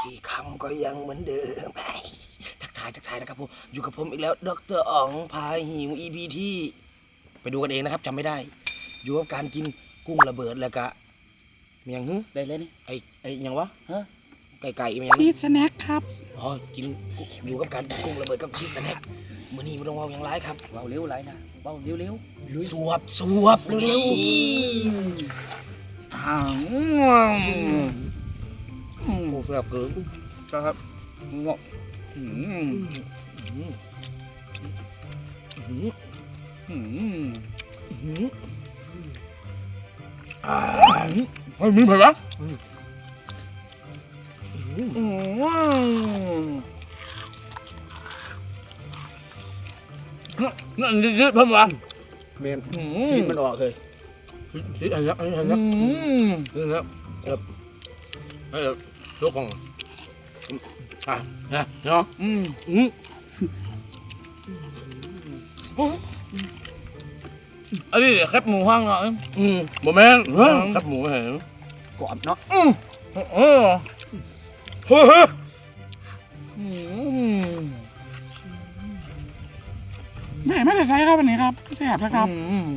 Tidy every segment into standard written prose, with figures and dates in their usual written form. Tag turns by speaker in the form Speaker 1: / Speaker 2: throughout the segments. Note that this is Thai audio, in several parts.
Speaker 1: ที่คำก็ยังเหมือนเดิมทักทายนะครับผมอยู่กับผมอีกแล้วดร.อ๋องพาหิว EP ที่ไปดูกันเองนะครับจำไม่ได้อยู่กับการกินกุ้งระเบิดแล้วก็เมียงฮึ
Speaker 2: ได้เลยนี่
Speaker 1: ไอ้ยังวะ
Speaker 2: ฮะ
Speaker 1: ไก่เมียง
Speaker 3: ชีสสแน็คครับ
Speaker 1: อ๋อกินอยู่กับการกินกุ้งระเบิดกับชีสสแน็คมื้อนี้มันต้องเว้าอย่างไรครับ
Speaker 2: เบาเร็วไรนะเบาเร็ว
Speaker 1: สวบเร็ว
Speaker 2: ๆ
Speaker 1: โอ้แซ่บเกิน
Speaker 2: ครับงอก
Speaker 1: เฮ้ยมีเผ็ดปะ
Speaker 2: นั่นยืดๆเพิ่มวะ
Speaker 1: เมนชีสมันออกเลยชีสอันนี้นี่ครับลูกของเนาะ
Speaker 2: อันนี้แคบหมูห้างเนาะ
Speaker 1: โมเมนต์ครับหมูเห็น
Speaker 2: กรอบเนาะ
Speaker 3: ไม่ได้ใช้ครับวันนี้ครับแซ่บนะครับ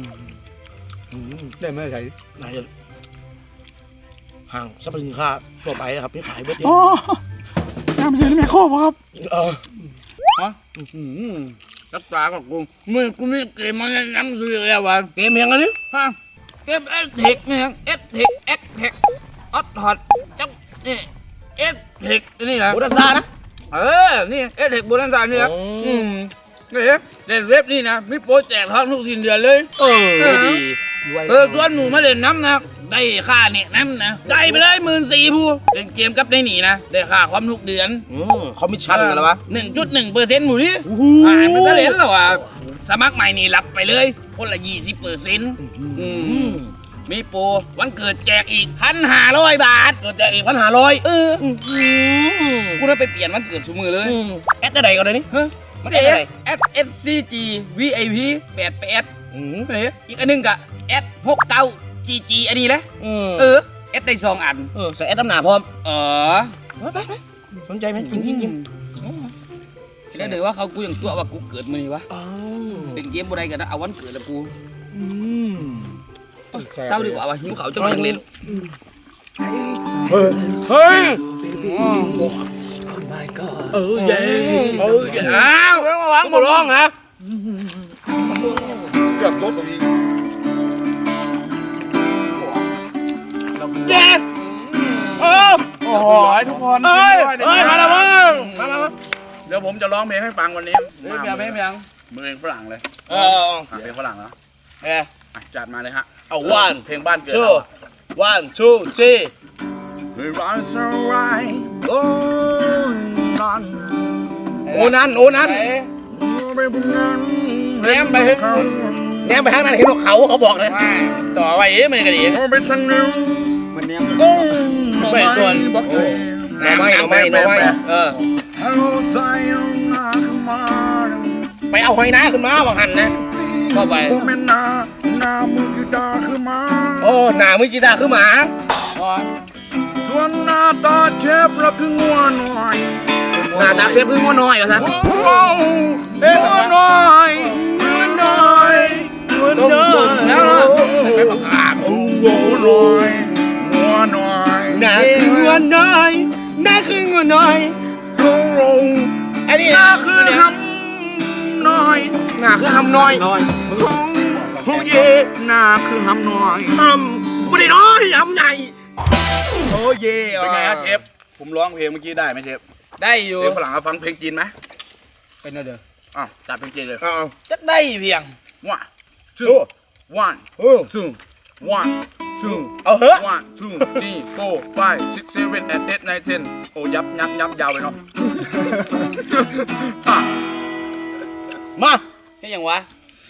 Speaker 1: ได้ไม่ได้ใช้ไหนจะห่างสรรพสินค้าทั่วไปครับนี่ขายเบิดเดียว
Speaker 3: อ๋อน้ำเสียนี่แม่โคบครับ
Speaker 2: ฮะรักษากับกูกูมีเกมมาแนะนำคืออะไรวะ
Speaker 1: เกมยังไงนี่
Speaker 2: ฮะเกมเอสเทคเนี่ยเอสเทคเอ็กเทคออตฮอตจังนี่เอสเทคนี่นะ
Speaker 1: โบราณศาสตร์นะ
Speaker 2: นี่เอสเทคโบราณศาสตร์นี่ครับนี่เล่นเว็บนี่นะมีโปรแจกทองทุกสิ้นเดือนเลย
Speaker 1: ดี
Speaker 2: ชวนหนูมาเล่นน้ำนะได้ค่าเนี่ยน้ำนะได้ไปเลย14,000ผู้เล่นเกมกับได้หนีนะได้ค่าคอมทุกเดือน
Speaker 1: คอมมิชชั่นกันแล้ววะ
Speaker 2: 1.1%หมูนี่มันก็เล่นแล้วอ่ะสมัครใหม่นี่รับไปเลยคนละ20%มีโปรวันเกิดแจกอีก1,500 บาท
Speaker 1: เกิดแจกอีก1,500
Speaker 2: กูน่าไปเปลี่ยนวันเกิดสุมือเลย
Speaker 1: แอดได้ไหนก่อนเลยนี่
Speaker 2: มันแอด SCG VIP 88อีกอันนึงกะแอด69 GG อันนี้แหละแอดได้2 อัน
Speaker 1: ใส่แอดน้ำหนาพร้อมไปสนใจไหมกิน
Speaker 2: แล้วเดี๋ยวว่าเขากูอย่างตัวว่ากูเกิดมื้อนี้วะเป็นเกมบ่ได้กันนะเอาวันเกิดแล้วกูเศร้าดีกว่าว่ะหิวเขาจะมายังเล่น
Speaker 1: เฮ้ยmy god เย้
Speaker 2: อ้าว
Speaker 1: วางบอลร้องฮะ
Speaker 2: เกือบลดตรงนี้
Speaker 1: เย้โอ้
Speaker 2: โหทุกคน
Speaker 1: มาแล้วมั้ง
Speaker 2: เดี๋ยวผมจะร้องเพลงให้ฟังวันนี้เพลงเพลงฝรั่งเลยเพลงฝรั่งแล้วจัดมาเลยฮะ
Speaker 1: เอาวัน
Speaker 2: เพลงบ้านเกิด
Speaker 1: 1 2 3
Speaker 2: We run so right โอ้
Speaker 1: นั้นแง้มไปทางนั้นเห็นเขาบอกเลยต่อไปมันก็ดี
Speaker 2: มันแง้ม
Speaker 1: ไม่ส่วนหน่อไม้ไปเอาหอยนาขึ้นมาบังหันนะเข้าไป
Speaker 2: นามือกีตาร์ขึ้นมา
Speaker 1: หนามือกีตาร์ขึ้นมา
Speaker 2: ส่วนหน้าตาเชฟแล้วคืองัวหน่อย
Speaker 1: หน้าตาเชฟคืองัวน้อยเหรอซะ
Speaker 2: งัวน้อย
Speaker 1: แล้วใส่ไปประกาศ
Speaker 2: งัวน้อย
Speaker 1: หน้าคืองัวน้อย
Speaker 2: อันนี้หน้าคือหำน้อย
Speaker 1: หน้าคือหำน้อย
Speaker 2: โอ้เย่หน้าคือหำน้อย
Speaker 1: ไม่ได้น้อยหำใหญ่
Speaker 2: โอ้เย่เป็นไงครับเชฟผมร้องเพลงเมื่อกี้ได้ไหมเชฟ
Speaker 1: ได้อยู่
Speaker 2: เพลงฝรั่งฟังเพลงจีนไหม
Speaker 1: เป็นอะไรเด้อ
Speaker 2: จัดเพลงจีนเลย
Speaker 1: จัดได้เพียง
Speaker 2: 1 2 1 2 1 2
Speaker 1: เอาเหอะ
Speaker 2: 1 2 3 4 5 6 7 8 9 10โอ้ยับยาวเลยเนาะ
Speaker 1: มา
Speaker 2: แค่ยังวะ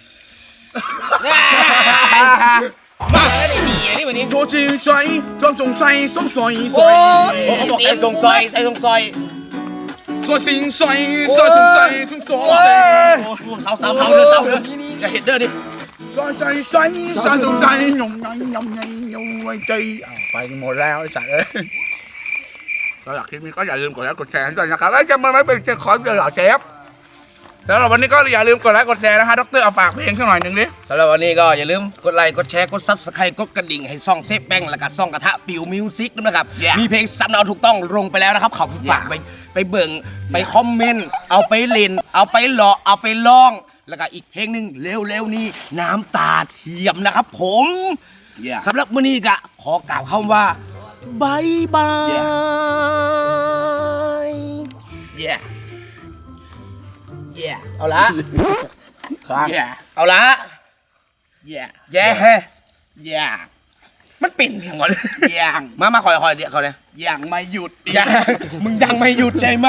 Speaker 1: มาแล้วนี่นี่วันนี้
Speaker 2: โชจิใส่ต้องจงใส่ส่งใส่
Speaker 1: เขาบอกใส่ส่งซอย
Speaker 2: ใส่สิงใส่จงใส่ส่งเ
Speaker 1: สาเด้ออย่าเห็นเด้อดิ
Speaker 2: ใส่จงใส่ยงไว้ใจไปหมดแล้วไอ้สัตว์เอ้ยสำหรับคลิปนี้ก็อย่าลืมกดไลค์กดแชร์ให้ด้วยนะครับแล้วจะมาไม่เป็นเจ้าของเดี๋ยวเหรอเชฟสำหรับวันนี้ก็อย่าลืมกดไลค์กดแชร์นะฮะดรเอาฝากเพลงสักหน่อยหนึ่งดิ
Speaker 1: สำหรับวันนี้ก็อย่าลืมกดไลค์กดแชร์กดซับสไครต์กดกระดิ่งให้ซ่องเซฟแป้งและก็ซ่องกระทะปิวมิวสิกด้วยนะครับ มีเพลงสำเนาถูกต้องลงไปแล้วนะครับขอบคุณฝากไปเบิ่งไปคอมเมนต์เอาไปเล่นเอาไปหล่อเอาไปร้อง แล้วก็อีกเพลงหนึ่งเร็วๆนี้น้ำตาเทียมนะครับผมสำหรับมื้อนี้ก็ขอกล่าวคำว่าบายบาย
Speaker 2: yeah yeah
Speaker 1: เอาละ
Speaker 2: yeah
Speaker 1: เอาละ
Speaker 2: yeah
Speaker 1: แย่
Speaker 2: yeah
Speaker 1: มันปิ่นอย่างวะ
Speaker 2: ยัง
Speaker 1: มาคอยเดี๋ยวเขาเนี่ย
Speaker 2: ยังไม่หยุดอีก
Speaker 1: ยังมึงยังไม่หยุดใช่ไหม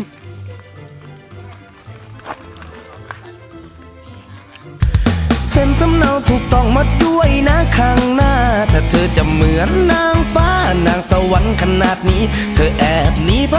Speaker 1: เซ็นสำเนาถูกต้องมาด้วยนะข้างหน้าถ้าเธอจะเหมือนนางฟ้านางสวรรค์ขนาดนี้ เธอแอบหนีไป